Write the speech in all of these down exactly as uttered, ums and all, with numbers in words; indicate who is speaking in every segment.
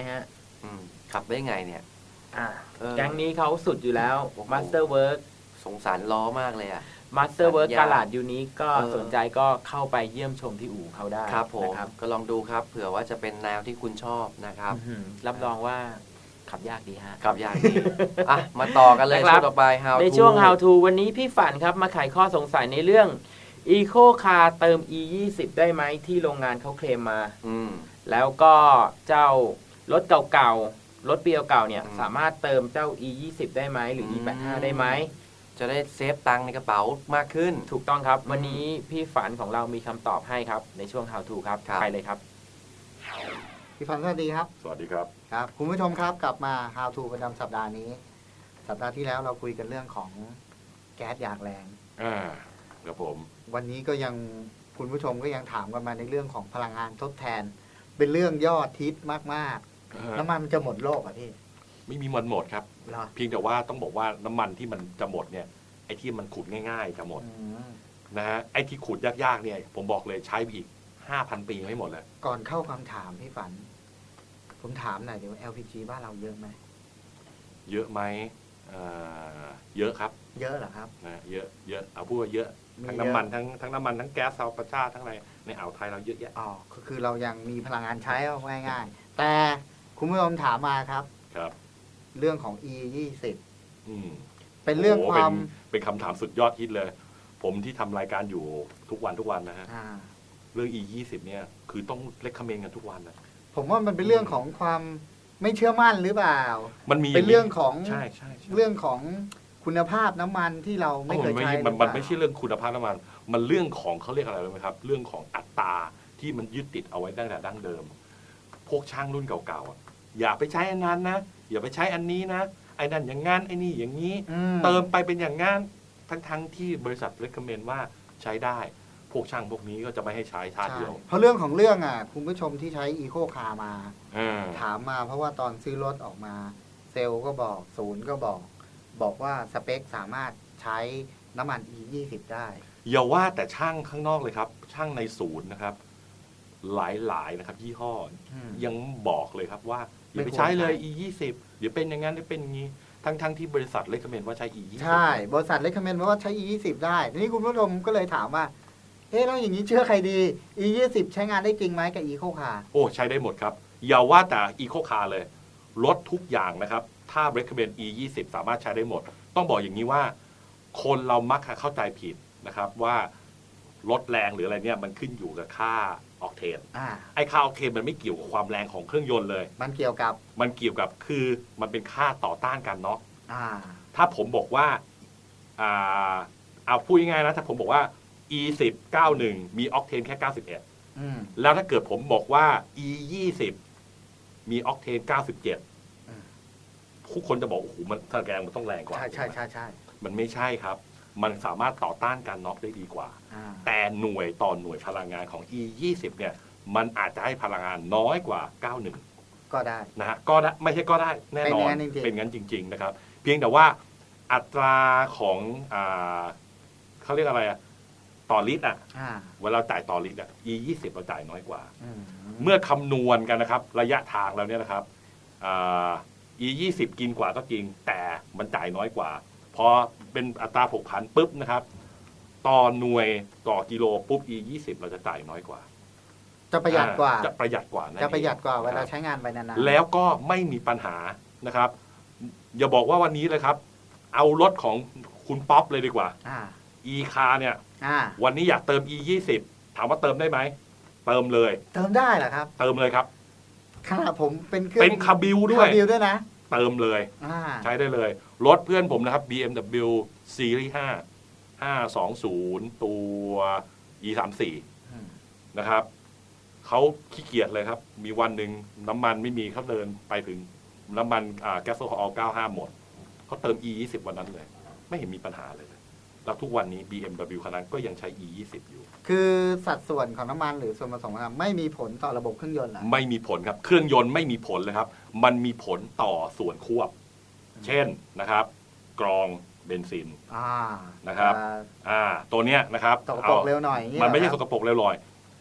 Speaker 1: ฮะ
Speaker 2: ขับได้ไงเนี่ย
Speaker 1: อ่าแก๊งนี้เขาสุดอยู่แล้ว Masterwork
Speaker 2: สงสารล้อมากเลยอ่ะ
Speaker 1: Masterwork กาลาดยูนิคก็สนใจก็เข้าไปเยี่ยมชมที่อู่เขาได้
Speaker 2: ครับผมก็ลองดูครับเผื่อว่าจะเป็นแนวที่คุณชอบนะครับ
Speaker 1: รับรองว่าขับยากดีฮะ
Speaker 2: ขับยากดีอ่ะมาต่อกันเลยช่วงต่อไป How to
Speaker 1: ในช่วง How to วันนี้พี่ฝันครับมาไขข้อสงสัยในเรื่อง Eco Car เติม อี ยี่สิบ ได้ไหมที่โรงงานเขาเคลมมาแล้วก็เจ้ารถเก่าๆรถปีเก่าๆเนี่ยสามารถเติมเจ้า อี ยี่สิบ ได้ไหมหรือ อี แปดสิบห้า ได้ไหม
Speaker 2: จะได้เซฟตังค์ในกระเป๋ามากขึ้น
Speaker 1: ถูกต้องครับวันนี้พี่ฝันของเรามีคำตอบให้ครับในช่วง How to ครับไปเลยครับ
Speaker 3: พี่ฝันสวัสดีครับ
Speaker 4: สวัสดีครับ
Speaker 3: ครับคุณผู้ชมครับกลับมา How to ประจำสัปดาห์นี้สัปดาห์ที่แล้วเราคุยกันเรื่องของแก๊สยางแรง
Speaker 4: อ่าครับผม
Speaker 3: วันนี้ก็ยังคุณผู้ชมก็ยังถามกันมาในเรื่องของพลังงานทดแทนเป็นเรื่องยอดฮิตมากๆน้ำมันมันจะหมดโลกอ่ะพี่
Speaker 4: ไม่มีมันหมดครับเพียงแต่ว่าต้องบอกว่าน้ำมันที่มันจะหมดเนี่ยไอ้ที่มันขุดง่ายๆจะหมดนะฮะไอ้ที่ขุดยากๆเนี่ยผมบอกเลยใช้ไปอีกห้าพันปีไม่หมดแล้ว
Speaker 3: ก่อนเข้าคำถามพี่ฝันผมถามหน่อยเดี๋ยว แอล พี จี บ้านเราเยอะไหม
Speaker 4: เยอะไหมเยอะครับ
Speaker 3: เยอะเหรอครับ
Speaker 4: นะเยอะเยอะเอาพูดว่าเยอะทั้งน้ำมันทั้งทั้งน้ำมันทั้งแก๊สซาวประชาทั้งอะไรในอ่าวไทยเราเยอะแยะ
Speaker 3: อ๋อคือเรายังมีพลังงานใช้เอาง่ายๆแต่คุณผู้ชมถามมาครับ
Speaker 4: ครับ
Speaker 3: เรื่องของ อี ยี่สิบ
Speaker 4: อืม
Speaker 3: เป็นเรื่องความ
Speaker 4: เป็นคำถามสุดยอดฮิตเลยผมที่ทำรายการอยู่ทุกวันทุกวันนะฮะเรื่อง อี ยี่สิบ เนี่ยคือต้องเล็กคอมเมนต์กันทุกวันนะ
Speaker 3: ผมว่ามันเป็นเรื่องของความไม่เชื่อมั่นหรือเปล่า
Speaker 4: มันมี
Speaker 3: เป็นเรื่องของ
Speaker 4: ใช่ใช่
Speaker 3: เรื่องของคุณภาพน้ำมันที่เราไม่เคยใช้
Speaker 4: มันมันไม่ใช่เรื่องคุณภาพน้ำมันมันเรื่องของเขาเรียกอะไรรู้ไหมครับเรื่องของอัตราที่มันยึดติดเอาไว้ตั้งแต่ดั้งเดิมพวกช่างรุ่นเก่าๆอย่าไปใช้อันนั้นนะอย่าไปใช้อันนี้นะไอ้นั่นอย่างงั้นไอ้นี่อย่างนี้เติมไปเป็นอย่างงั้นทั้งๆที่บริษัทเรคคอมเมนต์ว่าใช้ได้พวกช่างพวกนี้ก็จะไม่ให้ใช้ชาติเดียว
Speaker 3: เพราะเรื่องของเรื่องอ่ะคุณผู้ชมที่ใช้อีโคคาร์มาถามมาเพราะว่าตอนซื้อรถออกมาเซลล์ก็บอกศูนย์ก็บอกบอกว่าสเปคสามารถใช้น้ำมัน อี ยี่สิบ ได้
Speaker 4: อย่าว่าแต่ช่างข้างนอกเลยครับช่างในศูนย์นะครับหลายๆนะครับยี่ห้อยังบอกเลยครับว่าอย่าไปใช้เลย อี ยี่สิบ เดี๋ยวเป็นอย่างนั้นเดี๋ยวเป็นอย่างนี้ทั้งๆที่บริษัทเรคคอมเมนต์ว่าใช้ อี ยี่สิบ
Speaker 3: ใช่บริษัทเรคคอมเมนต์ว่าใช้ อี ยี่สิบ ได้ทีนี้คุณผู้ชมก็เลยถามว่าเฮ้ยแล้วอย่างนี้เชื่อใครดี อี ยี่สิบ ใช้งานได้จริงไหมกับ Eco Car
Speaker 4: โอ้ใช้ได้หมดครับอย่าว่าแต่ Eco Car เลยรถทุกอย่างนะครับถ้า recommend อี ยี่สิบ สามารถใช้ได้หมดต้องบอกอย่างนี้ว่าคนเรามักเข้าใจผิดนะครับว่ารถแรงหรืออะไรเนี่ยมันขึ้นอยู่กับค่าออกเทนไอ้ค่าออกเทนมันไม่เกี่ยวกับความแรงของเครื่องยนต์เลย
Speaker 3: มันเกี่ยวกับ
Speaker 4: มันเกี่ยวกับคือมันเป็นค่าต่อต้านการน็อกถ้าผมบอกว่าอ่าเอาพูดง่ายๆนะถ้าผมบอกว่า อี สิบ เก้าสิบเอ็ด มีออกเทนแค่เก้าสิบเอ็ดแล้วถ้าเกิดผมบอกว่า อี ยี่สิบ มีออกเทนเก้าสิบเจ็ดทุกคนจะบอกโอ้โหมันถ้าแรงมันต้องแรงกว่า
Speaker 3: ใช่ใช่ใช่ใช่
Speaker 4: มันไม่ใช่ครับมันสามารถต่อต้านการน็อกได้ดีกว่าแต่หน่วยต่อหน่วยพลังงานของ อี ยี่สิบ เนี่ยมันอาจจะให้พลังงานน้อยกว่าเก้าสิบเอ็ด
Speaker 3: ก็ได้
Speaker 4: นะฮะก็ได้ไม่ใช่ก็ได้แน่นอนเป็นงั้นจริงๆนะครับเพียงแต่ว่าอัตราของอ่าเขาเรียกอะไรอะต่อลิตรอ่ะเวลาจ่ายต่อลิตรอ่ะ อี ยี่สิบ เราจ่ายน้อยกว่าเมื่อคำนวณกันนะครับระยะทางแล้วเนี่ยนะครับอ่า อี ยี่สิบ กินกว่าก็จริงแต่มันจ่ายน้อยกว่าพอเป็นอัตราผกผันปุ๊บนะครับต่อหน่วยต่อกิโลปุ๊บ อี ยี่สิบ เราจะจ่ายน้อยกว่า
Speaker 3: จะประหยัดกว่า
Speaker 4: จะประหยัดกว่า
Speaker 3: จะประหยัดกว่าเวลาใช้งานไปนาน
Speaker 4: ๆแล้วก็ไม่มีปัญหานะครับอย่าบอกว่าวันนี้เลยครับเอารถของคุณป๊อปเลยดีกว่าอีคาเนี่ยวันนี้อยากเติม อี ยี่สิบ ถามว่าเติมได้ไหมเติมเลย
Speaker 3: เติมได้เหรอครับ
Speaker 4: เติมเลยครับ
Speaker 3: ขนาดผมเป็นเครื่อง
Speaker 4: เป็นคาบิลด้วย
Speaker 3: คาบิลด้วยนะ
Speaker 4: เติมเลยใช้ได้เลยรถเพื่อนผมนะครับ บี เอ็ม ดับเบิลยู Series ห้า ห้าสองศูนย์ตัว อี สามสิบสี่ นะครับเขาขี้เกียจเลยครับมีวันหนึ่งน้ำมันไม่มีเขาเดินไปถึงน้ำมันแก๊สโซฮอลเก้าสิบห้าหมดเขาเติม อี ยี่สิบ วันนั้นเลยไม่เห็นมีปัญหาเลยแล้วทุกวันนี้ บี เอ็ม ดับเบิลยู คันนั้นก็ยังใช้ อี ยี่สิบ อยู่
Speaker 3: คือสัดส่วนของน้ำมันหรือส่วนผสมของน้ำไม่มีผลต่อระบบเครื่องยนต์หรอ
Speaker 4: ไม่มีผลครับเครื่องยนต์ไม่มีผลเลยครับมันมีผลต่อส่วนควบเช่นนะครับกรองเบนซินนะครับอ่าตัวเนี้ยนะครับ
Speaker 3: สกปรกเร็วหน่อย
Speaker 4: มันไม่ใช่สกปรกเร็วลอย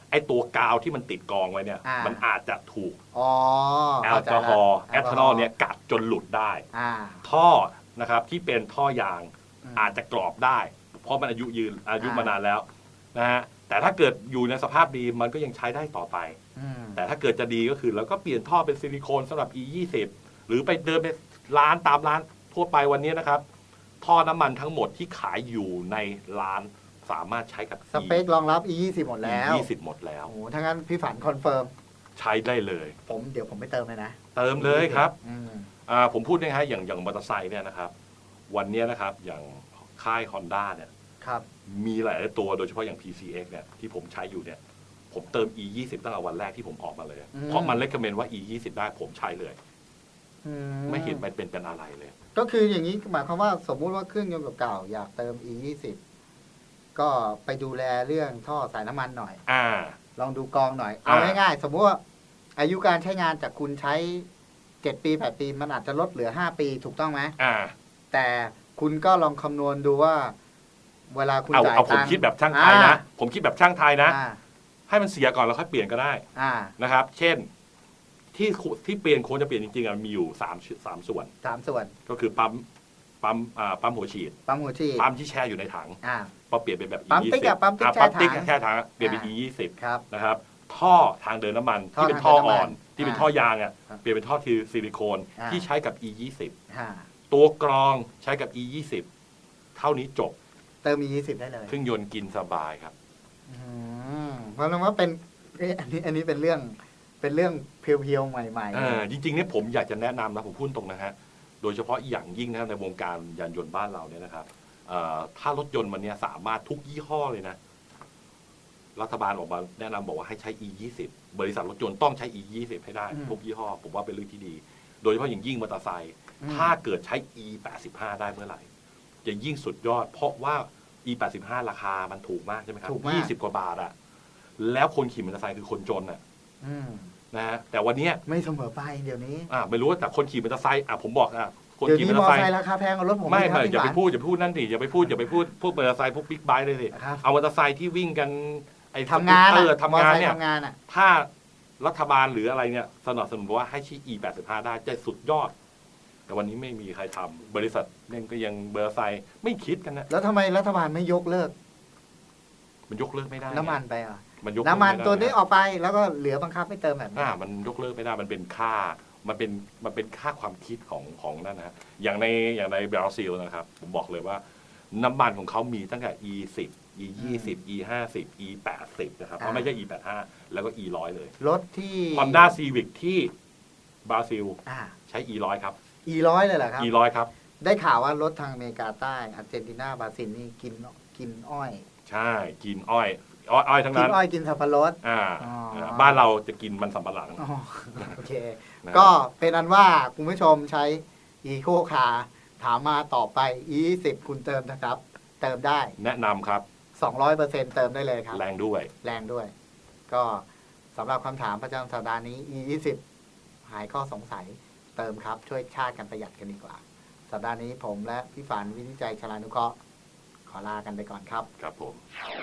Speaker 4: ไอ้ตัวกาวที่มันติดกองไว้เนี่ย
Speaker 3: อ่ามั
Speaker 4: มันอาจจะถูก
Speaker 3: อ๋อ
Speaker 4: แอล
Speaker 3: เข้าก
Speaker 4: อฮอล์
Speaker 3: ใจ
Speaker 4: แอ
Speaker 3: ละ
Speaker 4: ทานอลเนี่ยกัดจนหลุดได้
Speaker 3: อ่า
Speaker 4: ท่อนะครับที่เป็นท่อยาง
Speaker 3: อืม
Speaker 4: อาจจะกรอบได้ เพราะมันอายุยืนอายุ
Speaker 3: อ่าม
Speaker 4: มานานแล้วนะฮะแต่ถ้าเกิดอยู่ในสภาพดีมันก็ยังใช้ได้ต่อไป
Speaker 3: อืม
Speaker 4: แต่ถ้าเกิดจะดีก็คือเราก็เปลี่ยนท่อเป็นซิลิโคนสำหรับ อี ยี่สิบ หรือไปเดินไปร้านตามร้านทั่วไปวันนี้นะครับ ท่อน้ำมันทั้งหมดที่ขายอยู่ในร้านสามารถใช้กับ
Speaker 3: สเปครองรับ อี ยี่สิบ หมดแล้ว
Speaker 4: ยี่สิบหมดแล้ว
Speaker 3: โอ้โหถ้างั้นพี่ฝันคอนเฟิร์ม
Speaker 4: ใช้ได้เลย
Speaker 3: ผมเดี๋ยวผมไปเติมเลยนะ
Speaker 4: เติมเลยครับ
Speaker 3: อืม
Speaker 4: อ่าผมพูดนะฮะอย่างอย่างมอเตอร์ไซค์เนี่ยนะครับ วันนี้นะครับอย่างค่าย Honda เนี่ย
Speaker 3: ครับ
Speaker 4: มีหลายตัวโดยเฉพาะอย่าง พี ซี เอ็กซ์ เนี่ยที่ผมใช้อยู่เนี่ยผมเติม อี ยี่สิบ ตั้งแต่วันแรกที่ผมออกมาเลย เพราะมันเลคคอมเมนต์ว่า อี ยี่สิบ ได้ผมใช้เลย
Speaker 3: อื
Speaker 4: ไม่เห็นมันเป็นเป็นอะไรเลย
Speaker 3: ก็คืออย่างนี้หมายความว่าสมมุติว่าเครื่องยนต์เก่าๆอยากเติม อี ยี่สิบ ก็ไปดูแลเรื่องท่อสายน้ำมันหน่อย
Speaker 4: อ่า
Speaker 3: ลองดูกองหน่อย เอา
Speaker 4: อ่า
Speaker 3: ง่ายๆ สมมติว่าอายุการใช้งานจากคุณใช้เจ็ดปีแปดปี มันอาจจะลดเหลือห้าปีถูกต้องไหม
Speaker 4: อ่า
Speaker 3: แต่คุณก็ลองคำนวณดูว่า เวลาคุณ
Speaker 4: เอา
Speaker 3: จ่าย
Speaker 4: เอาผม
Speaker 3: ตังค์
Speaker 4: คิดแบบช่างไทยนะ ผมคิดแบบช่างไทยนะ
Speaker 3: อ่า
Speaker 4: ให้มันเสียก่อนแล้วค่อยเปลี่ยนก็ได้
Speaker 3: อ่า
Speaker 4: นะครับ เช่นที่ที่เปลี่ยนควรจะเปลี่ยนจริงๆอะมีอยู่สามสามส่วน
Speaker 3: สามส่วน
Speaker 4: ก็คือปั๊มปั๊มอ่าปั๊มหัวฉีด
Speaker 3: ปั๊มหัวฉีด
Speaker 4: ปั๊มที่แช่อยู่ในถัง
Speaker 3: อ่า
Speaker 4: พอเปลี่ยนเป็นแบบ
Speaker 3: ปั๊ม
Speaker 4: อี
Speaker 3: ติ๊กอะปั๊มติ๊ก
Speaker 4: อ่ะปั๊มติ๊ก
Speaker 3: แช่ถัง
Speaker 4: แช่ถังเปลี่ยนเป็น
Speaker 3: อ่า
Speaker 4: อี ยี่สิบ
Speaker 3: ครับ
Speaker 4: นะครับ ท่อทางเดินน้ำมัน
Speaker 3: ท่อ
Speaker 4: ที่เป็นท่อ
Speaker 3: ทางเดินน้ำมัน
Speaker 4: อ่อน ที่เป็น
Speaker 3: อ่า
Speaker 4: ท่อยางอ่ะ
Speaker 3: ครับ
Speaker 4: เปลี่ยนเป็นท่อทีซิลิโคน
Speaker 3: อ่า
Speaker 4: ที่ใช้กับ อี ยี่สิบ
Speaker 3: อ่า
Speaker 4: ตัวกรองใช้กับ อี ยี่สิบ เท่านี้จบ
Speaker 3: เติม อี ยี่สิบ ได้เลย
Speaker 4: เครื่องยนต์กินสบายครับ
Speaker 3: อืมเพราะฉะนั้นว่าเป็นเอ๊ะอันนี้อันนี้เป็นเรื่องเป็นเรื่องเพียวๆใหม่
Speaker 4: เออจริงๆเนี่ยผมอยากจะแนะนำนะผมพูดตรงนะฮะโดยเฉพาะอย่างยิ่งนะในวงการยานยนต์บ้านเราเนี่ยนะครับเอ่อถ้ารถยนต์มันเนี่ยสามารถทุกยี่ห้อเลยนะ รัฐบาลออกมาแนะนำบอกว่าให้ใช้ อี ยี่สิบ บริษัทรถยนต์ต้องใช้ อี ยี่สิบ ให้ได้
Speaker 3: อืม
Speaker 4: ทุกยี่ห้อ ผมว่าเป็นเรื่องที่ดี โดยเฉพาะอย่างยิ่งมอเตอร์ไซค์
Speaker 3: อืม
Speaker 4: ถ้าเกิดใช้ อี แปดสิบห้า ได้เมื่อไหร่จะยิ่งสุดยอด เพราะว่า อี แปดสิบห้า ราคามันถูกมากใช่ไหมครับ
Speaker 3: ถูกมาก
Speaker 4: ยี่สิบกว่าบาทอะแล้วคนขี่มอเตอร์ไซค์คือคนจนอะ
Speaker 3: ๆอืม
Speaker 4: นะฮะแต่วันเนี้ย
Speaker 3: ไม่เสมอไปเดี๋ยวนี้
Speaker 4: อ่าไม่รู้ว่าแต่คนขี่มอเตอร์ไซค์อ่ะผมบอกอ่ะคน
Speaker 3: เดี๋ยว
Speaker 4: ขี่
Speaker 3: นี้
Speaker 4: มอ
Speaker 3: ม
Speaker 4: เต
Speaker 3: อ
Speaker 4: อร์ไซ
Speaker 3: ไซ
Speaker 4: ค์
Speaker 3: ค์ราคาแพงกว่ารถผม
Speaker 4: ไม่
Speaker 3: อีกค
Speaker 4: ไม่
Speaker 3: รับ
Speaker 4: อย่าไป
Speaker 3: พี่
Speaker 4: พูดอย่าไปพูดนั่นดิอย่าไปพูดอย่าไปพูดพวกมอเตอร์ไซค์พวกบิ๊กไบค์เลยสิ
Speaker 3: ครับ
Speaker 4: เอามอเตอร์ไซค์ที่วิ่งกันไอ้
Speaker 3: ทำงาน
Speaker 4: เอ
Speaker 3: อะ
Speaker 4: อทำงานเนี่ย
Speaker 3: มอไซค์ทำงานอ่ะ
Speaker 4: ถ้ารัฐบาลหรืออะไรเนี่ยสนับสนุนว่าให้ใช้ อี แปดสิบห้า ได้จะสุดยอด แต่วันนี้ไม่มีใครทำบริษัทเนี่ยก็ยังเบอร์ไซค์ไม่คิดกันนะ
Speaker 3: แล้วทำไมรัฐบาลไม่ยกเลิก
Speaker 4: มันยกเลิกไม่ได้
Speaker 3: น้ำมันไปอ่ะ
Speaker 4: มันยกเลิก
Speaker 3: น้ำมัน
Speaker 4: ไได้
Speaker 3: ตัวนี้ออกไปแล้วก็เหลือบังคับให้เติมแบบนี้
Speaker 4: อ่ามันยกเลิกไม่ได้มันเป็นค่ามันเป็นมันเป็นค่าความคิดของของนั่นนะฮะอย่างในอย่างในบราซิลนะครับผมบอกเลยว่าน้ำมันของเขามีตั้งแต่ อี สิบ อี ยี่สิบ อี ห้าสิบ อี แปดสิบ นะครับเพราะไม่ใช่ อี แปดสิบห้า แล้วก็ อี หนึ่งร้อย เลย
Speaker 3: รถที่
Speaker 4: Honda Civic ที่บราซิล
Speaker 3: อ่า
Speaker 4: ใช้ อี หนึ่งร้อย ครับ
Speaker 3: อีร้อยเลยเหรอครับ
Speaker 4: อี หนึ่งร้อย ครับ
Speaker 3: ได้ข่าวว่ารถทางอเมริกาใต้อาร์เจนตินาบราซิลนี่กินกินอ้อย
Speaker 4: ใช่กินอ้อยอ้อยอ้อยทั้ง
Speaker 3: กิ
Speaker 4: นั้น น
Speaker 3: อ้อยกินสับปะรด
Speaker 4: อ่า
Speaker 3: อ๋อ
Speaker 4: บ้านเราจะกินมันสำปะหลัง
Speaker 3: อ๋อโอเค
Speaker 4: นะ
Speaker 3: ก็เป็นอันว่าคุณผู้ชมใช้อีโคคาร์ถามมาต่อไป อี ยี่สิบ คุณเติมนะครับ เติมได้
Speaker 4: แนะนำครับ
Speaker 3: สองร้อยเปอร์เซ็นต์ เติมได้เลยครับ
Speaker 4: แรงด้วย
Speaker 3: แรงด้วย ก็สำหรับคำถามประจำสัปดาห์นี้ อี ยี่สิบ หายข้อสงสัยเติมครับ ช่วยชาติกันประหยัดกันดีกว่า สัปดาห์นี้ผมและพี่ฝันวินิจฉัยชลานุเคราะห์ขอลากันไปก่อนครับ
Speaker 4: ครับผม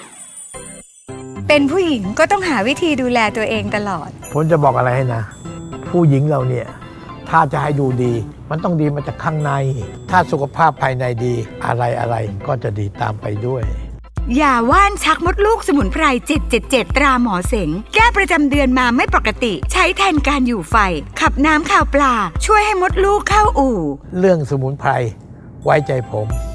Speaker 5: เป็นผู้หญิงก็ต้องหาวิธีดูแลตัวเองตลอด
Speaker 6: ผมจะบอกอะไรให้นะ ผู้หญิงเราเนี่ย ถ้าจะให้ดูดี มันต้องดีมาจากข้างใน ถ้าสุขภาพภายในดี อะไรอะไรก็จะดีตามไปด้วย
Speaker 5: ยาว่านชักมดลูกสมุนไพรเจ็ดเจ็ดเจ็ดตราหมอเสง แก้ประจำเดือนมาไม่ปกติ ใช้แทนการอยู่ไฟ ขับน้ำข่าวปลา ช่วยให้มดลูกเข้าอู่
Speaker 6: เรื่องสมุนไพรไว้ใจผม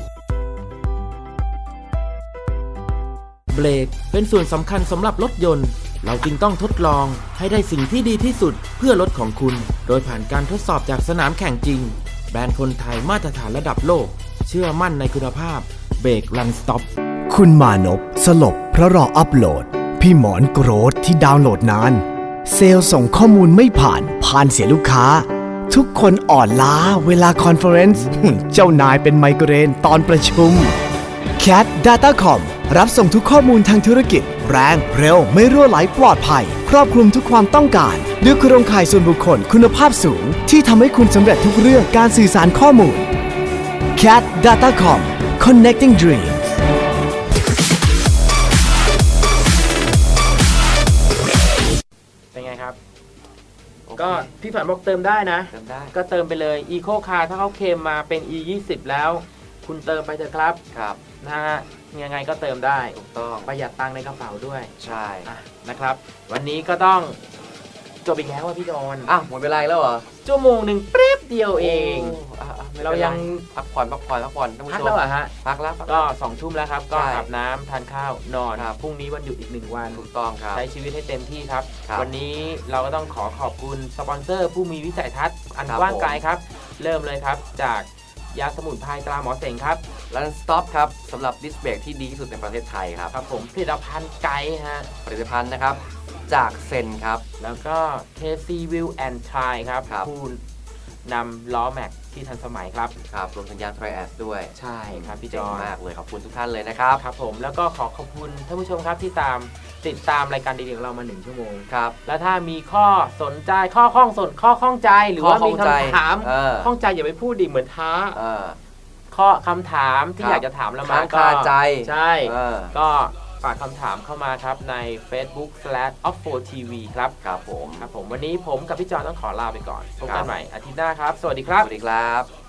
Speaker 1: เบรกเป็นส่วนสำคัญสำหรับรถยนต์ เราจึงต้องทดลองให้ได้สิ่งที่ดีที่สุดเพื่อรถของคุณ โดยผ่านการทดสอบจากสนามแข่งจริง แบรนด์คนไทยมาตรฐานระดับโลก เชื่อมั่นในคุณภาพเบรกรันสต็อป
Speaker 7: คุณมานพสลบเพราะรออัปโหลด พี่หมอนโกรธที่ดาวน์โหลดนาน เซลล์ส่งข้อมูลไม่ผ่าน ผ่านเสียลูกค้า ทุกคนอ่อนล้าเวลาคอนเฟอเรนซ์ เจ้านายเป็นไมเกรนตอนประชุม Cat Datacom รับส่งทุกข้อมูลทางธุรกิจ แรง เร็ว ไม่รั่วไหลปลอดภัย ครอบคลุมทุกความต้องการด้วยโครงข่ายส่วนบุคคลคุณภาพสูง ที่ทำให้คุณสำเร็จทุกเรื่องการสื่อสารข้อมูล Cat Datacom Connecting Dreams
Speaker 1: ครับ
Speaker 2: โอเค
Speaker 1: ก็พี่ฝันบอกเติมได้นะ
Speaker 2: เติมได้
Speaker 1: ก็เติมไปเลย Eco Car ถ้าเขาเคลมมาเป็น อี ยี่สิบ แล้ว คุณเติมไปเถอะครับ
Speaker 2: ครับ
Speaker 1: นะฮะยังไงก็เติมได้
Speaker 2: ถูกต้อง
Speaker 1: ประหยัดตังค์ในกระเป๋าด้วย
Speaker 2: ใช่
Speaker 1: อ่ะนะครับ วันนี้ก็ต้องจบอีกแล้วว่าพี่จอน
Speaker 2: อ้าวหมดเวลาอีกแล้วเหรอ
Speaker 1: ชั่วโมงหนึ่งเป๊บเดียวเอง
Speaker 2: โอ่ะอ่ะไม่ป็น
Speaker 1: เรายัง
Speaker 2: พักผ่อนพักผ่อนพักผ่อนท่านผู้
Speaker 1: พัก
Speaker 2: ชม
Speaker 1: แล้วเหรอฮะ
Speaker 2: พักแล้วพัก
Speaker 1: ก็
Speaker 2: แล้ว
Speaker 1: สองทุ่มแล้วครับ ก็
Speaker 2: ใช่
Speaker 1: อาบน้ำทานข้าวนอน
Speaker 2: ครับ
Speaker 1: พรุ่งนี้วันหยุดอีกหนึ่งวัน
Speaker 2: ถูกต้องครับ
Speaker 1: ใช้ชีวิตให้เต็มที่ครับ
Speaker 2: ครับ
Speaker 1: วันนี้เราก็ต้องขอขอบคุณสปอนเซอร์ผู้มีวิสัยทัศน์อัน
Speaker 2: ครับ
Speaker 1: กว้างไกลครับ เริ่มเลยครับจากยาสมุนไพรตราหมอเสงครับ
Speaker 2: รันสต็อปครับสำหรับดิสเบรกที่ดีที่สุดในประเทศไทยครับ
Speaker 1: ครับผมผลิตภัณฑ์ไกด์ฮะ
Speaker 2: ผลิตภัณฑ์นะครับจากเซนครับ
Speaker 1: แล้วก็ เค ซี Wheel and Tire ครับ
Speaker 2: ครับ
Speaker 1: ผู้นำล้อแม็กที่ทันสมัยครับ
Speaker 2: ครับรวมถึงยางไทรแอสด้วย
Speaker 1: ใช่ครับพี่จ
Speaker 2: เจ๋ง
Speaker 1: อน
Speaker 2: มากเลยขอบคุณทุกท่านเลยนะครับ
Speaker 1: ครับผมแล้วก็ขอขอบคุณท่านผู้ชมครับที่ตามติดตามรายการดีๆของเรามาหนึ่งชั่วโมง
Speaker 2: ครับ
Speaker 1: แล้วถ้ามีข้อสนใจข้อข้องสนข้อข้องใจหรือว่า
Speaker 2: ข้อข้
Speaker 1: มี
Speaker 2: องใจ
Speaker 1: คำถาม
Speaker 2: เออ
Speaker 1: ข้องใจอย่าไปพูดดิเหมือนท้า
Speaker 2: เออ
Speaker 1: ข้อคำถามที่
Speaker 2: ครับ
Speaker 1: อยากจะถามเรามา
Speaker 2: ค้าง
Speaker 1: ก็
Speaker 2: คาใจ
Speaker 1: ใช่
Speaker 2: เออ
Speaker 1: ก็ฝากคำถามเข้ามาครับใน Facebook slash o f f o t v ครับ
Speaker 2: ครับผม
Speaker 1: ครับผมวันนี้ผมกับพี่จอนต้องขอลาไปก่อนพบ
Speaker 2: ครั
Speaker 1: กับ นใหม่อาทิตย์หน้าครับ สวัสดีครั
Speaker 2: ส
Speaker 1: บ
Speaker 2: วัสดีครับ